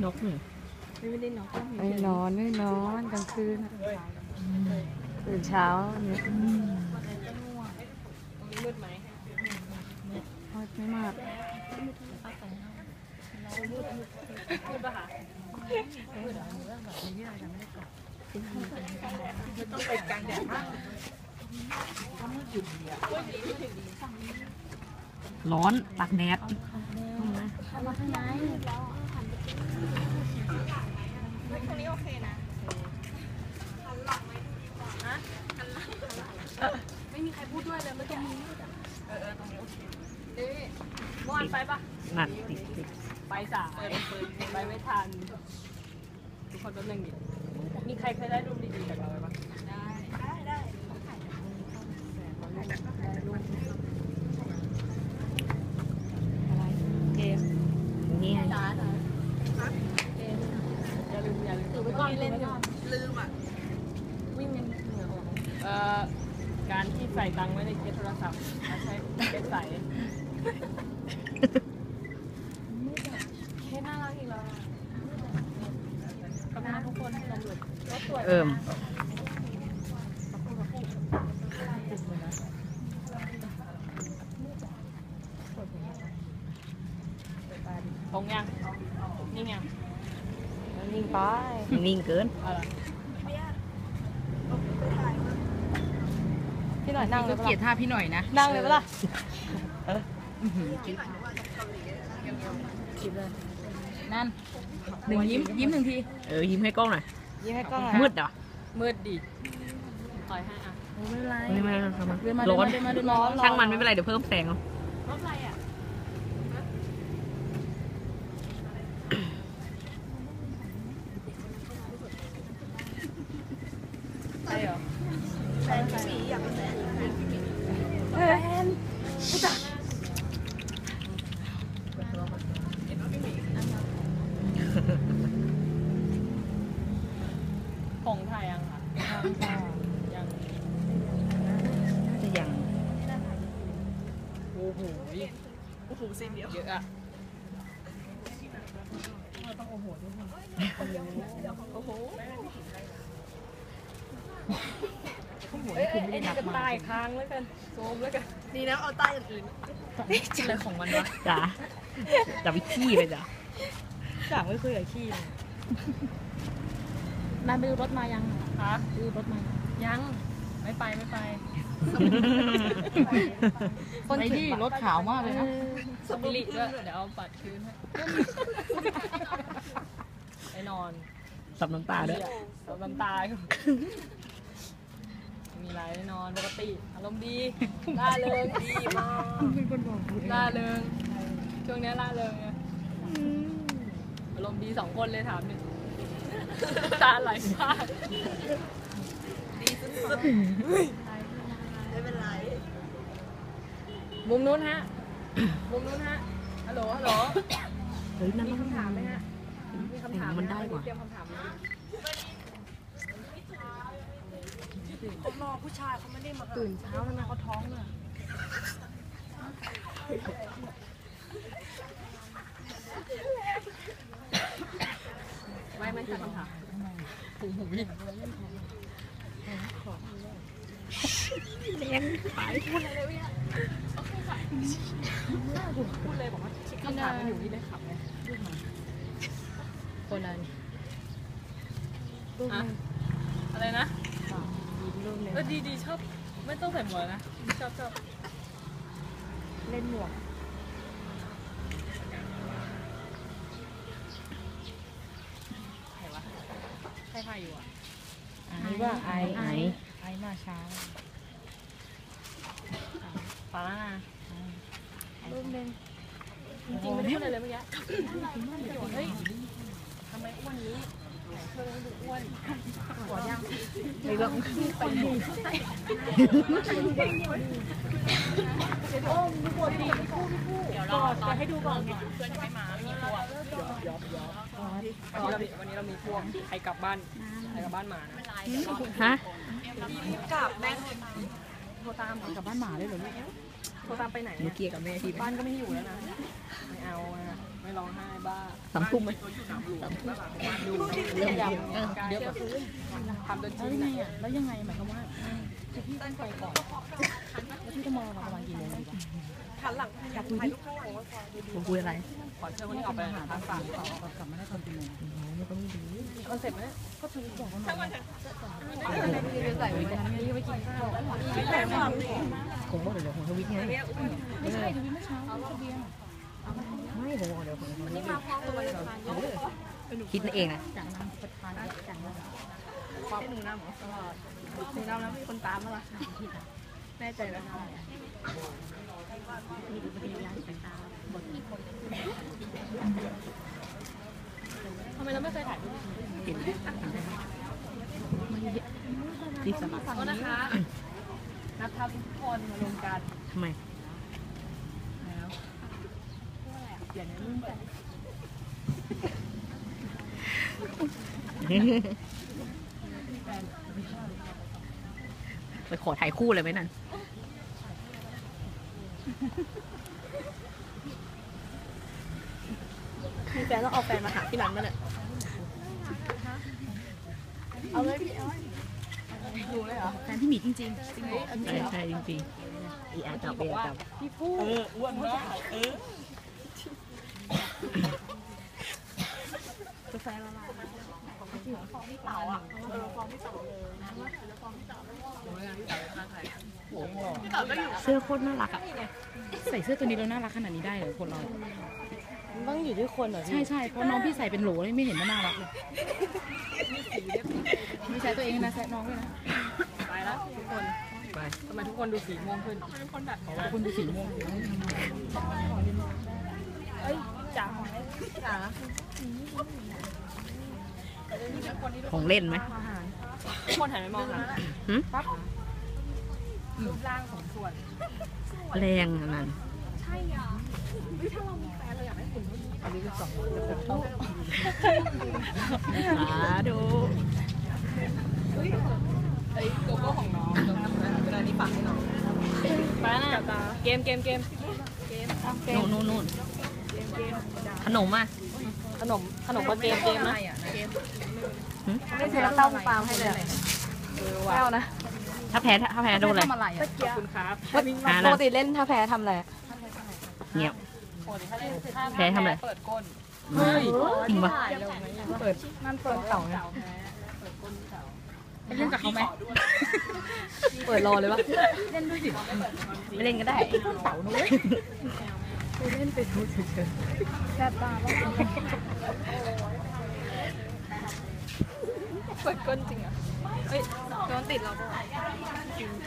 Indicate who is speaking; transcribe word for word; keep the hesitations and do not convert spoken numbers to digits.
Speaker 1: นกเนี่ย
Speaker 2: ไม่ได้นอน
Speaker 1: ไม่นอนไม่นอนกลางคืนตื่นเช้าเนี่ย
Speaker 2: มืดไหม
Speaker 1: ไม่มาก
Speaker 2: มืดปะคะไม่ต้องไปกลางแดดมาก
Speaker 1: ร้อนตากแดด
Speaker 2: เข้ามาข้างในตรงนี้โอเคนะไม่มีใครพูดด้วยเลยไม่ต้องมีเออตรงนี้โอเคเอ๊ะเมื่อวานไปปะ
Speaker 1: หนักติดติด
Speaker 2: ไปสายไปไม่ทันทุกคนต้องเล่นดิมีใครเคยได้รูปดีๆจากเราไหมปะได้ได้ได้
Speaker 1: อะไรเกมนี่ไง
Speaker 2: จ้าจ้าอย่าลืมอย่าลืมถือไว้ก่อนเล่นก่อนลืมอ่ะวิ่งยังเหนื่อยเอ่อการที่ใส่ตังค์ไว้ในเคสโทรศัพท์แล้วใช้เคสใส่เคสน่ารักอีกแล้วขอบคุณทุกคนที่ลงหลุดรถสวย
Speaker 1: เอิ่ม
Speaker 2: ตรงยังนิ่งยัง
Speaker 1: นิ่งไปนิ่งเกิน
Speaker 2: พี่หน่อยนั่งเลย
Speaker 1: เกลียดท่าพี่หน่อยนะ
Speaker 2: นั่งเลยปะล่ะนั่น
Speaker 1: หนึ่งยิ้มยิ้มหนึ่งทีเออยิ้มให้กล้องหน่อย
Speaker 2: ยิ้มให้กล้อง
Speaker 1: มืดเหรอ
Speaker 2: มืดดิถอยให้อ่ะ
Speaker 1: ไม่เป็นไรไม่เป็นไรทำมัน
Speaker 2: ร้อนร้อน
Speaker 1: ช่างมันไม่เป็นไรเดี๋ยวเพิ่มแสงเอา
Speaker 2: รถอะไรอ่ะใช่เหรอแฟนพี่หมีอยากเป็นแฟนแฟนผู้จัดของไทยยังค่ะยัง
Speaker 1: น่าจะยัง
Speaker 2: โอ้โหโอ้โหซีนเดียวเยอะอะต้องโอ้โหด้วยโอ้โหเอ้ยไอ้นี่จะตายค้างแล้วกันโซมแล้วกันดีนะเอาใต้อื่นๆอะไรของมันวะ
Speaker 1: จ๋าจะไปขี้เลยจ้ะ
Speaker 2: จ๋าไม่เคยกับขี้เลยนายไปดูรถมายังคะดูรถมายังไม่ไปไม่ไป
Speaker 1: คนที่รถขาวมากเลยนะ
Speaker 2: สปิริตด้วยเดี๋ยวเอาปัดคืนให้ไปนอน
Speaker 1: สับน้ำตาด้วย
Speaker 2: สับน้ำตามีอะไรนอนปกติอารมณ์ดีล่าเริงดีมากล่าเริงช่วงนี้ล่าเริงไงอารมณ์ดีสองคนเลยถามหนึ่งตาไหลมากดีสุดๆไม่เป็นไรมุมนู้นฮะมุมนู้นฮะฮัลโหลฮัลโหล
Speaker 1: เฮ้ยนั่น
Speaker 2: มีคำถามไหมฮะมีคำถาม
Speaker 1: มันได้กว่า
Speaker 2: เตรียมคำถามเขารอผู้ชายเขาไม่ได้มาตื่นเช้าแล้วนะเขาท้องเลยไม่ไม่ใช่คำถามหูหูวิ่ง
Speaker 1: เลี้ยงไป
Speaker 2: พูดอะไรเลยเนี่ยพูดเลยบอกว่าคำถามมันอยู่ที่ได้ขับไหมคนนั้นอะไรนะเออดีดีชอบไม่ต้องใส่หมวกนะชอบชอบเล่นหมวกใครวะใครถ่ายอยู่อ่ะ
Speaker 1: ไอ้ว่าไอ้ไอ้
Speaker 2: ไอ้มาเช้าฟ้านะรูปนึงจริงๆไม่ได้พูดอะไรเลยเมื่อกี้เฮ้ยทำไมอ้วนนี้เธอดูอ้วนหัวยัง
Speaker 1: ไม่ต้อง
Speaker 2: ไปดูโอ้ดูปวดดีพี่ผู้พี่ผู้เดี๋ยวรอตอนให้ดูก่อนเพื่อนยังไม่มามีพวกวันนี้เรามีพวกใครกลับบ้านใครกลับบ้านมา
Speaker 1: ฮะ
Speaker 2: กลับแม่
Speaker 1: โทรตามกลับบ้านหมาได้เหรอลูก
Speaker 2: โทรตามไปไหน
Speaker 1: เมื่อกี้กับแม่ที่
Speaker 2: บ้านก็ไม่อยู่แล้วนะไม่เอาไม่ร้องไห้บ้า
Speaker 3: สามทุ่มไหม
Speaker 2: ดูเรื่องยำเดี๋ยวทำจนชินไงอ่ะแล้วยังไงหมายความว่าคือพี่ต้องไปก่อนแล้วพี่จะมองประมาณกี่โมงดีวะหันหลังอยากคุยดิ
Speaker 3: ผมคุยอะไร
Speaker 2: ขอเชิญคนนี้ออกไปหาทางฝั่งเขากลับมาได้ตอนกี่โมง
Speaker 3: ไม่ต้องดู
Speaker 2: คอนเซ็ปต์ไหมก็คือบอกเขาหน่อยใส่ไว้กันนี่ไปกินข้าว
Speaker 3: ผมว่าเดี๋ยวผมทวิตไง
Speaker 2: ไม่ใช่ดูเมื่อเช้าทะเบียน
Speaker 3: ไม่ผมว่าเดี๋ยวผมทวิตคิดเองนะ
Speaker 2: จากน้ำประทานจากน้ำความหนูน้ำหรอหนูน้ำแล้วมีคนตามมาละแน่ใจแล้วมีดูเป็นยานสายตาบทที่คนทำไมเราไม่เคยถ่ายรูป
Speaker 3: เห็นที่สมัคร
Speaker 2: ก็นะคะนับทับทุกคนมารวมกัน
Speaker 3: ทำไม
Speaker 2: แล้วเปลี่ยนในรุ่นกัน
Speaker 3: ไปขอถ่ายคู่เลยไหมนั่น
Speaker 2: มีแฟนต้องเอาแฟนมาหาที่ร้านมั้ยเนี่ยเอาเลยพี่เอาดูเลยเหรอ
Speaker 3: แฟนที่มีจริงๆจริงใช่ใช่จริงๆอีอาจับเบียจับ
Speaker 2: พี่พูด
Speaker 4: เอออ้วนมากเออก
Speaker 2: าแฟละลายของพี่ของพี่เต๋าอ่ะเออฟองพี่เต๋าเลยนะว่าแล้วฟองพี่เต๋าแล้วโอ้ยพี่เต๋าข้างใครพี่เต๋าก็อยู่
Speaker 3: เสื้อโคตรน่ารักอ่ะ
Speaker 1: ใส่เสื้อตัวนี้แล้วน่ารักขนาดนี้ได้เหรอคนเรา
Speaker 2: ต้องอยู่ที่คนเหรอ
Speaker 1: ใช่ใช่เพราะน้องพี่ใส่เป็นโหลเลยไม่เห็นว่าน่ารักเลยไม่ใช่ตัวเองนะใส่น้องด้วยนะ
Speaker 2: ไปแล้วทุกคน
Speaker 3: ไป
Speaker 2: ทำไมทุกคนดูสีม่วงขึ้นทุกคนแบบ
Speaker 1: คุณดูสีม่วง
Speaker 2: เอ้ยจ๋าจ๋า
Speaker 3: ของเล่นไหม
Speaker 2: ทุกคนหันไปมองค่ะ
Speaker 3: หึ
Speaker 2: ปั๊บรูปร่างของส่วน
Speaker 3: แรงอันนั้น
Speaker 2: ใช่อ่ะวิถ้าเรามีแฟนเราอยากได้หุ่นเท่านี้อันนี้คือสองคนจะชอบ
Speaker 3: สาธุ
Speaker 2: ไอ้โกโก้ของน้องเวลานี้ฝากให้น้องไปนะเกมเกมเกมเกมเกม
Speaker 3: นู่นนู่นนู่นขนมอ่ะ
Speaker 2: ขนมขนมก็เกมเกมนะเกม
Speaker 3: หึ
Speaker 2: ไม่ใช่เต้าปามให้เลยเออว่ะเต้านะ
Speaker 3: ถ้าแพ้ถ้าแพ้โดนอะไร
Speaker 1: ทำอะไร
Speaker 2: ขอบคุณครับ
Speaker 3: อ่า
Speaker 2: ป
Speaker 3: นะ
Speaker 2: กติเล่นถ้าแพ้ทำอะไร
Speaker 3: เงียบ
Speaker 2: ปกติถ้าเล่นถ้า
Speaker 3: แพ้ทำอะไร
Speaker 2: เปิดก้น
Speaker 3: เฮ้ยจริงปะ
Speaker 2: เปิดนั่นเปิดเต่าไง
Speaker 1: ไปเล่นกับเขาไหม
Speaker 2: เปิดรอเลยวะ
Speaker 1: เล่นด้วยสิ
Speaker 3: ไม่เล่นก็ได้
Speaker 1: เต่านุ้ย
Speaker 2: เล่นไปดูเฉยๆแซ่บตาบ้างเปิดก้นจริงอ่ะเฮ้ยโดนติดเราปะ